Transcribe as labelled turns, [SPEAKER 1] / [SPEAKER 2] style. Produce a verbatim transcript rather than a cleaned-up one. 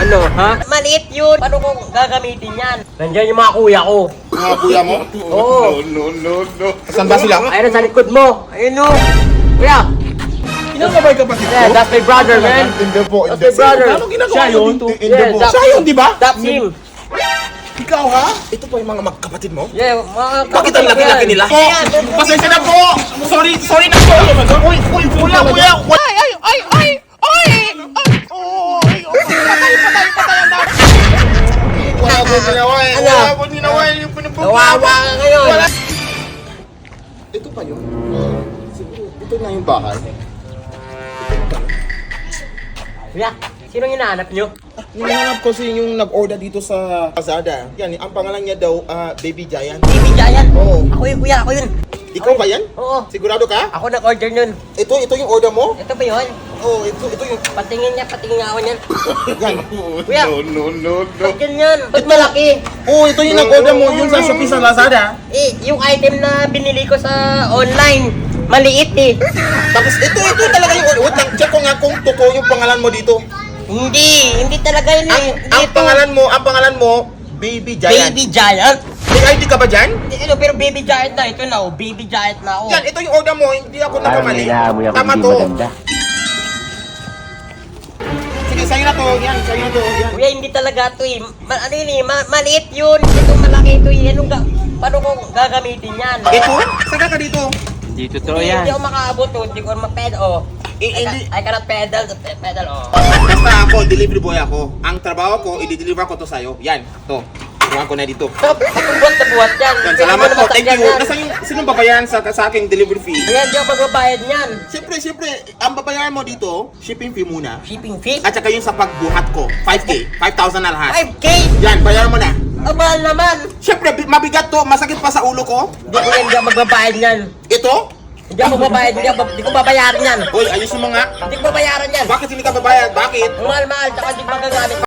[SPEAKER 1] Ano, ha? Maliit yun. Paano ko gagamitin yan? Nandiyan yung mga kuya ko.
[SPEAKER 2] Mga kuya mo?
[SPEAKER 1] Oo.
[SPEAKER 2] No, no, no. Saan ba sila?
[SPEAKER 1] Ayun sa likod mo. Ayun o. Kuya.
[SPEAKER 2] Kinakabay kapatid ko?
[SPEAKER 1] Yeah, that's my brother, man.
[SPEAKER 2] Hindi po,
[SPEAKER 1] That's
[SPEAKER 2] hindi.
[SPEAKER 1] my brother.
[SPEAKER 2] Ano ginagawa
[SPEAKER 3] Siya
[SPEAKER 2] mo
[SPEAKER 3] yun?
[SPEAKER 2] dito?
[SPEAKER 1] Yeah,
[SPEAKER 2] Hindi po.
[SPEAKER 1] that's
[SPEAKER 2] Siya yun, di ba?
[SPEAKER 1] That's him.
[SPEAKER 2] Ikaw ha? Ito po yung mga magkapatid mo?
[SPEAKER 1] Yeah, mga
[SPEAKER 2] Bakit ang laki-laki nila? Po! Pasensya na po! Sorry, sorry na po! Uy, uy, kuya, kuya! Ay, ay, ay, ay! Ay! Ay! Patay, patay, patay ang dami! Wala po ginawa eh.
[SPEAKER 1] Ano?
[SPEAKER 2] Wala po ginawa eh. Yung pinupagpapag.
[SPEAKER 1] Kawawa ka ngayon.
[SPEAKER 2] Wala. Ito pa yun? Siguro, ito na yung bahay.
[SPEAKER 1] Kuya, sinong hinahanap nyo?
[SPEAKER 2] Hinahanap ko si yung nag-order dito sa Lazada. Yan, ang pangalan niya daw, ah, Baby Giant.
[SPEAKER 1] Baby Giant.
[SPEAKER 2] Oo.
[SPEAKER 1] Ako yun, kuya. Ako yun.
[SPEAKER 2] Ikaw ba yan?
[SPEAKER 1] Oo.
[SPEAKER 2] Sigurado ka?
[SPEAKER 1] Ako nag-order nun.
[SPEAKER 2] Ito, ito yung order mo?
[SPEAKER 1] Ito ba yun?
[SPEAKER 2] Oo, ito, ito yung...
[SPEAKER 1] Patingin niya, patingin nga ako niyan.
[SPEAKER 2] Yan.
[SPEAKER 1] Kuya.
[SPEAKER 2] No, no, no, no.
[SPEAKER 1] Ba't ganyan? Ba't malaki?
[SPEAKER 2] Oo, ito yung nag-order mo, yun sa Shopee sa Lazada.
[SPEAKER 1] Eh, yung item na binili ko sa online, maliit eh.
[SPEAKER 2] Tapos ito, ito talaga yung order. Wait lang, check ko nga kung totoo yung pangalan mo dito.
[SPEAKER 1] Hindi, hindi talaga yun
[SPEAKER 2] Ang,
[SPEAKER 1] eh.
[SPEAKER 2] ang
[SPEAKER 1] Dito,
[SPEAKER 2] pangalan mo, ang pangalan mo, Baby Giant.
[SPEAKER 1] Baby Giant.
[SPEAKER 2] May I D ka ba dyan?
[SPEAKER 1] Hindi, ano, pero Baby Giant na. Ito na oh, Baby Giant na ako.
[SPEAKER 2] Yan, ito yung order mo, hindi ako
[SPEAKER 3] Parang
[SPEAKER 2] nagkamali.
[SPEAKER 3] hinahamoy ako
[SPEAKER 2] Tama
[SPEAKER 3] hindi
[SPEAKER 2] to.
[SPEAKER 3] maganda.
[SPEAKER 2] Sige, sa'yo na to. Yan, sa'yo na to. Yan.
[SPEAKER 1] Kuya, hindi talaga ito eh. Ma ano yun eh, ma maliit yun. Ito malaki ito eh. Anong ga paano ko gagamitin yan?
[SPEAKER 2] Ito? Saka ka dito.
[SPEAKER 3] Hindi totoo
[SPEAKER 1] Hindi,
[SPEAKER 3] yan.
[SPEAKER 1] hindi ako makaabot oh. Hindi ko mapedal oh.
[SPEAKER 2] Eh,
[SPEAKER 1] I,
[SPEAKER 2] hindi.
[SPEAKER 1] ca- I cannot pedal, pe- pedal oh.
[SPEAKER 2] Basta ako, delivery boy ako. Ang trabaho ko, i-deliver ko to sa'yo. Yan, to. Kuha ko na dito.
[SPEAKER 1] So, buhat na buhat yan.
[SPEAKER 2] Yan,
[SPEAKER 1] Pwede
[SPEAKER 2] salamat
[SPEAKER 1] mo
[SPEAKER 2] po.
[SPEAKER 1] naman
[SPEAKER 2] Thank
[SPEAKER 1] sakyan
[SPEAKER 2] you.
[SPEAKER 1] yan.
[SPEAKER 2] Nasa yung, sinong babayaran sa, sa aking delivery fee?
[SPEAKER 1] Kaya hindi ako magbabayad niyan.
[SPEAKER 2] Siyempre, siyempre, ang babayaran mo dito, shipping fee muna.
[SPEAKER 1] Shipping fee?
[SPEAKER 2] At saka yung sa pagbuhat ko, five K. five thousand na lahat.
[SPEAKER 1] five K?
[SPEAKER 2] Yan, bayaran mo na.
[SPEAKER 1] Ang mahal naman.
[SPEAKER 2] Siyempre, bi- mabigat to. Masakit pa sa ulo ko.
[SPEAKER 1] Hindi ko yan, hindi ako magbabayad niyan.
[SPEAKER 2] Ito?
[SPEAKER 1] Hindi ako magbabayad, hindi, ako, hindi ko babayaran yan.
[SPEAKER 2] Uy, ayusin mo nga.
[SPEAKER 1] Hindi ko babayaran yan.
[SPEAKER 2] Bakit hindi ka babayad? Bakit?
[SPEAKER 1] Ang mahal-mahal, tsaka hindi ko magagamit.